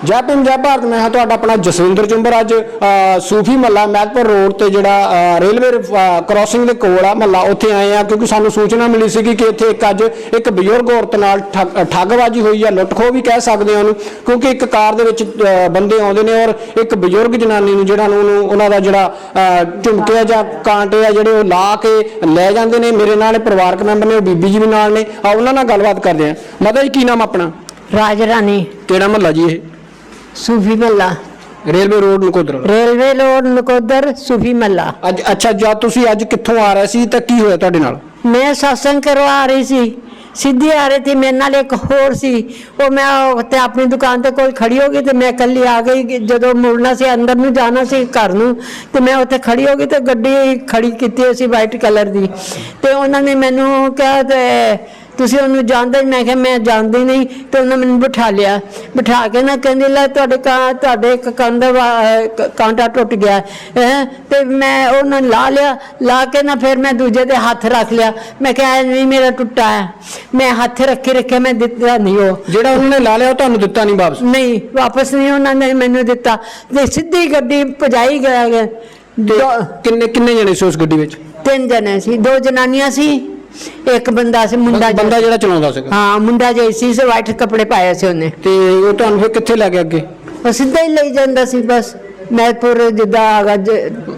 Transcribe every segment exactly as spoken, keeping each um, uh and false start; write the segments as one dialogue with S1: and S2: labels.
S1: जय भीम जय भारत। मैं हाँ तुहाडा अपना जसविंदर चुंबर। अज सूफी महला महतपुर रोड ते जिहड़ा रेलवे क्रॉसिंग दे कोल आ महला, उत्थे आए हैं क्योंकि सानू सूचना मिली सी कि इत्थे एक अज एक बजुर्ग औरत नाल ठगबाजी हुई है, लुट खो भी कह सकदे हां, क्योंकि एक कार दे विच बंदे आउंदे ने और एक बजुर्ग जनानी नूं जिहड़ा उन्हां दा जिहड़ा झुमके जां कांटे आ जिहड़े ला के लै जांदे ने। मेरे नाल परिवारक मैंबर ने, बीबी जी भी नाल ने, आ उन्हां नाल गलबात करदे हां। माता जी की नाम अपना?
S2: राज रानी।
S1: किहड़ा महला जी? ये
S2: सूफी महला,
S1: railway road Nakodar.
S2: Railway road Nakodar सूफी महला।
S1: अज अच्छा जा तुसी अज कित्थों आ रहे सी ते की होया तुहाडे नाल?
S2: मैं सत्संग करवा रही सी, सीधी आ रही थी, मेरे नाल एक होर सी, वो मैं ते अपनी दुकान ते कोई खड़ी हो गई तो मैं कल्ली आ गई। जदों मुड़ना से अंदर नूं जाना सी घर नूं ते मैं उत्थे खड़ी हो गई तो गड्डी खड़ी कीती सी वाइट कलर दी, ते उन्हां ने मैनूं कहा ते तुसी उन्होंने जानते? मैं क्या मैं जानती नहीं। तो उन्होंने मैंने बिठा लिया, बिठा के ना कहते ला तुहाडे तुहाडे कंध कांटा टुट गया है। तो मैं उन्होंने ला लिया, ला के ना फिर मैं दूजे दे हाथ रख लिया। मैं क्या नहीं मेरा टुटा है, मैं हाथ रखे रखे मैं दिता नहीं। वो
S1: जेड़ा उन्होंने ला लिया तुहानू दिता नहीं वापस? नहीं
S2: वापस नहीं उन्होंने मैनू दिता, ते सीधी गड्डी भजाई गया।
S1: किन्ने किन्ने जने सी उस गड्डी विच?
S2: तीन जने सी, दो जनानियां सी, एक बंदा से मुंडा
S1: बंदा जेड़ा चलाਉਂਦਾ ਸੀਗਾ।
S2: हाँ मुंडा जैसी से वाइट कपड़े पाए से उन्हें।
S1: ਤੇ ਉਹ ਤੁਹਾਨੂੰ ਫਿਰ ਕਿੱਥੇ ਲੈ ਗਿਆ ਅੱਗੇ?
S2: ਉਹ ਸਿੱਧਾ ਹੀ ਲਈ ਜਾਂਦਾ ਸੀ ਬਸ महतपुर जिदा आगा ले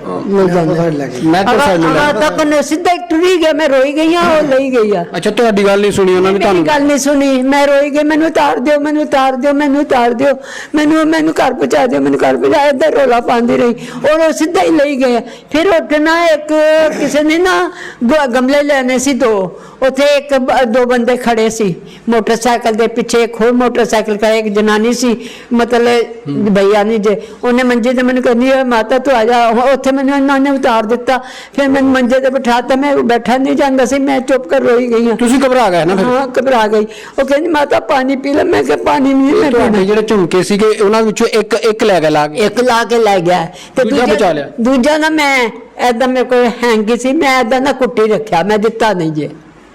S2: तक सीधा टुरी गया। मैं रोई गई हाँ, वो ले गई है।
S1: अच्छा ਤੁਹਾਡੀ ਗੱਲ नहीं सुनी उन्होंने?
S2: मेरी गल नहीं सुनी, मैं रोई गई, मैनू उतार दियो, मैनू उतार दियो, मैनू उतार दियो, मैनू मैनू घर पहुंचा दियो, मैनू घर पहुंचा। इधर रौला पाती रही और वो सीधा ही ले गए। फिर उठना एक किसी ने ना गमले लेने से, दो उथे एक दो बंदे खड़े सी मोटरसाइकिल के पीछे, एक होर मोटरसाइकिल का एक जनानी सी, मतलब भैया नहीं जे, उन्हें मंजे मैंने कहनी है माता तू आ जा। उत्थे मैंने इन्होंने उतार दिता, फिर मैं मंजे ते बिठाता, मैं बैठा नहीं जाता सी, मैं चुप कर रोई गई हाँ।
S1: तुसी घबरा गए ना?
S2: हाँ घबरा गई। वो कहनी माता पानी पी ले, मैं क्या पानी नहीं मैं पीना।
S1: ਜਿਹੜੇ ਝੁਮਕੇ ਸੀਗੇ ਉਹਨਾਂ ਵਿੱਚੋਂ ਇੱਕ ਇੱਕ ਲੈ ਗਿਆ ਲਾ ਕੇ?
S2: ਇੱਕ ਲਾ ਕੇ ਲੈ ਗਿਆ ਤੇ
S1: ਦੂਜਾ ਬਚਾ ਲਿਆ।
S2: ਦੂਜਾ ਨਾ ਮੈਂ ਐਦਾਂ ਮੇਰੇ ਕੋਲ ਹੈਂਗੀ ਸੀ, ਮੈਂ ਐਦਾਂ ਨਾ ਕੁੱਟੀ ਰੱਖਿਆ, ਮੈਂ ਦਿੱਤਾ ਨਹੀਂ ਜੇ,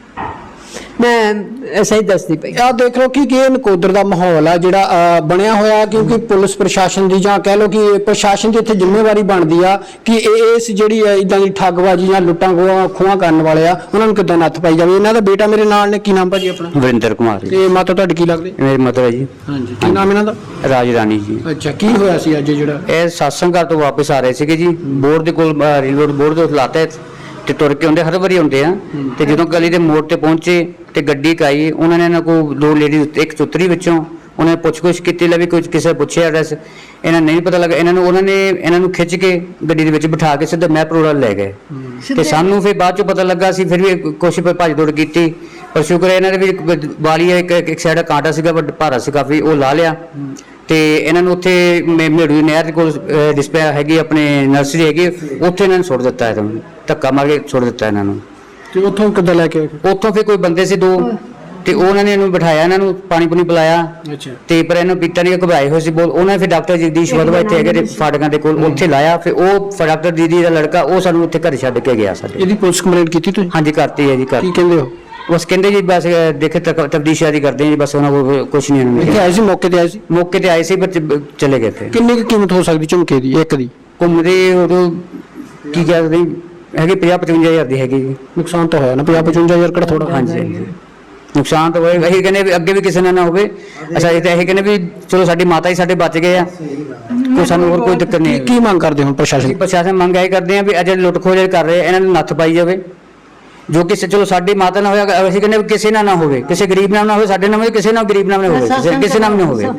S2: मैं ऐसा ही दसदी पई।
S1: आ देख लो कि ये नकोदर का माहौल है जिहड़ा बनया होया, क्योंकि पुलिस प्रशासन की जां कह लो कि प्रशासन की इत्थे जिम्मेवारी बनती आ कि इस जिहड़ी इदां दी ठगबाजी जां लुट्टां खोहां करन वाले आ उन्हां नूं किद्दां नत्थ पाई जावे। इन्हां दा बेटा मेरे नाल ने, की नाम भाजी अपना?
S3: वरिंदर कुमार।
S1: ते माता तुहाडी की लगदी?
S3: मेरी मदर है जी।
S1: हां जी, की नाम इन्हां दा?
S3: राज रानी जी।
S1: अच्छा, की होया सी अज जिहड़ा
S3: ਇਹ सत्संग घर तो वापस आ रहे ਸੀਗੇ जी, ਬੋਰਡ ਦੇ ਕੋਲ ਰੇਲਵੇ ਬੋਰਡ ਦੇ ਲਾਤੇ ਤੇ ਤੁਰ ਕੇ ਆਉਂਦੇ, ਹਰ ਵਾਰੀ ਆਉਂਦੇ ਆ। ਤੇ ਜਦੋਂ ਗਲੀ ਦੇ ਮੋੜ ਤੇ ਪਹੁੰਚੇ ਤੇ ਗੱਡੀ ਕਾਈ, ਉਹਨਾਂ ਨੇ ਇਹਨਾਂ ਕੋ ਦੋ ਲੇਡੀ ਇੱਕ ਚੁੱਤਰੀ ਵਿੱਚੋਂ ਉਹਨੇ ਪੁੱਛ ਕੁਛ ਕੀਤੀ, ਲੈ ਵੀ ਕੁਝ ਕਿਸੇ ਪੁੱਛਿਆ ਐਡਰੈਸ, ਇਹਨਾਂ ਨਹੀਂ ਪਤਾ ਲੱਗਾ। ਇਹਨਾਂ ਨੂੰ ਉਹਨਾਂ ਨੇ ਇਹਨਾਂ ਨੂੰ ਖਿੱਚ ਕੇ ਗੱਡੀ ਦੇ ਵਿੱਚ ਬਿਠਾ ਕੇ ਸਿੱਧਾ ਮੈਪ ਰੋਡ ਲੈ ਗਏ। ਤੇ ਸਾਨੂੰ ਫਿਰ ਬਾਅਦ ਚੋਂ ਪਤਾ ਲੱਗਾ, ਸੀ ਫਿਰ ਵੀ ਕੋਸ਼ਿਸ਼ ਭੱਜ ਦੌੜ ਕੀਤੀ, ਪਰ ਸ਼ੁਕਰ ਹੈ ਇਹਨਾਂ ਦੇ ਵੀ ਵਾਲੀ ਇੱਕ ਇੱਕ ਸਾਈਡ ਕਾਂਟਾ ਸੀਗਾ, ਵੱਡਾ ਭਾਰਾ ਸੀ ਕਾਫੀ, ਉਹ ਲਾ ਲਿਆ। ਤੇ ਇਹਨਾਂ ਨੂੰ ਉੱਥੇ ਮੇੜੂ ਨਹਿਰ ਦੇ ਕੋਲ ਡਿਸਪਲੇ ਹੈਗੀ, ਆਪਣੇ ਨਰਸਰੀ ਹੈਗੀ, ਉੱਥੇ ਇਹਨਾਂ ਨੂੰ ਸੁੱਟ ਦਿੱਤਾ, ਇਹਨਾਂ ਨੂੰ ਧੱਕਾ ਮਾਰ ਕੇ ਸੁੱਟ ਦਿੱਤਾ ਇਹਨਾਂ ਨੂੰ।
S1: ਤੇ ਉੱਥੋਂ ਕਿੱਦਾਂ ਲੈ ਕੇ?
S3: ਉੱਥੋਂ ਫਿਰ ਕੋਈ ਬੰਦੇ ਸੀ ਦੋ, ਤੇ ਉਹਨਾਂ ਨੇ ਇਹਨੂੰ ਬਿਠਾਇਆ, ਇਹਨਾਂ ਨੂੰ ਪਾਣੀ ਪੂਣੀ ਪਿਲਾਇਆ।
S1: ਅੱਛਾ।
S3: ਤੇ ਪਰ ਇਹਨੂੰ ਪੀਤਾ ਨਹੀਂ, ਘਬਰਾਏ ਹੋਏ ਸੀ ਬਹੁਤ। ਉਹਨਾਂ ਨੇ ਫਿਰ ਡਾਕਟਰ ਜਗਦੀਸ਼ ਵਦਵਾ ਇੱਥੇ ਹੈਗੇ ਫਾਟਕਾਂ ਦੇ ਕੋਲ, ਉੱਥੇ ਲਾਇਆ। ਫਿਰ ਉਹ ਡਾਕਟਰ ਦੀਦੀ ਦਾ ਲੜਕਾ ਉਹ ਸਾਨੂੰ ਉੱਥੇ ਘਰ ਛੱਡ ਕੇ ਗਿਆ ਸਾਡੇ।
S1: ਇਹਦੀ ਪੁਲਿਸ ਕੰਪਲੇਂਟ ਕੀਤੀ ਤੁਸੀਂ?
S3: ਹਾਂਜੀ ਕਰਤੀ ਹੈ ਜੀ। ਕਰ
S1: ਕੀ ਕਹਿੰਦੇ ਹੋ?
S3: बस कहते जी बस देखे तब्दीश शादी करते हैं जी, बस उन्होंने कुछ नहीं।
S1: इत्थे आए सी मौके ते आए सी?
S3: मौके ते आए सी पर चले गए थे।
S1: किन्नी की कीमत हो सकती झुमके दी एक दी?
S3: घूमते उदों की कहते हैगी पचास पचवंजा हज़ार दी हैगी।
S1: नुकसान तो होया ना पचास पचवंजा हज़ार किहड़ा थोड़ा?
S3: हाँ जी नुकसान तो होए। असीं कहने अगे भी किसी ना ना होवे। अच्छा ये असीं कहने भी चलो साडी माता ही साडे बच गए आ, कोई सानूं होर कोई दिक्कत नहीं।
S1: की मंग करदे हुण प्रशासन?
S3: प्रशासन मंग ये करदे आ भी अजे लुट खोज कर रहे इन्हां नूं नत्थ पाई जावे, जो कि चलो साडी माता ना होया, असीं कहने किसी ना ना होवे, किसी गरीब नाल ना होवे, साडे नाल किसी नाल गरीब नाल ना होवे, किसी नाल ना होवे।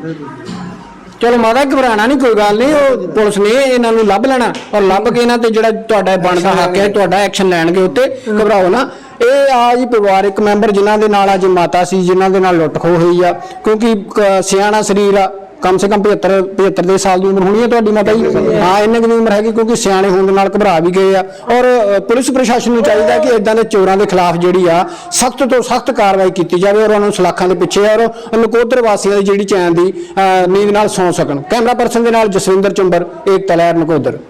S1: चलो माता घबराना नहीं, कोई गल नहीं, वो पुलिस ने इन्हां नूं लभ लेना और लभ के इन्हां ते जिहड़ा तुहाडा बनदा हक है तुहाडा एक्शन लैणगे उत्ते, घबराओ ना। ਇਹ ਆ ਜੀ ਪਰਿਵਾਰਕ ਮੈਂਬਰ ਜਿਨ੍ਹਾਂ ਦੇ ਨਾਲ ਅੱਜ ਮਾਤਾ ਸੀ, ਜਿਨ੍ਹਾਂ ਦੇ ਨਾਲ ਲੁੱਟ ਖੋਹ ਹੋਈ ਆ, ਕਿਉਂਕਿ ਸਿਆਣਾ ਸਰੀਰ ਆ, कम से कम पचहत्तर पचहत्तर दे साल की उम्र होनी है तुहाडी माता जी? हाँ इन्ने की उम्र हैगी, क्योंकि सियाणे होने नाल घबरा भी गए आ। और पुलिस प्रशासन नूं चाहीदा कि इदां दे चोरां दे खिलाफ जिहड़ी आ सख्त तो सख्त कार्रवाई की जाए और उन्होंने सलाखां दे पिछे और नकोदर वासियों की जिहड़ी चैन की नींद नाल सौ सकन। कैमरा पर्सन दे नाल जसविंदर चुंबर, एकता लहर नकोदर।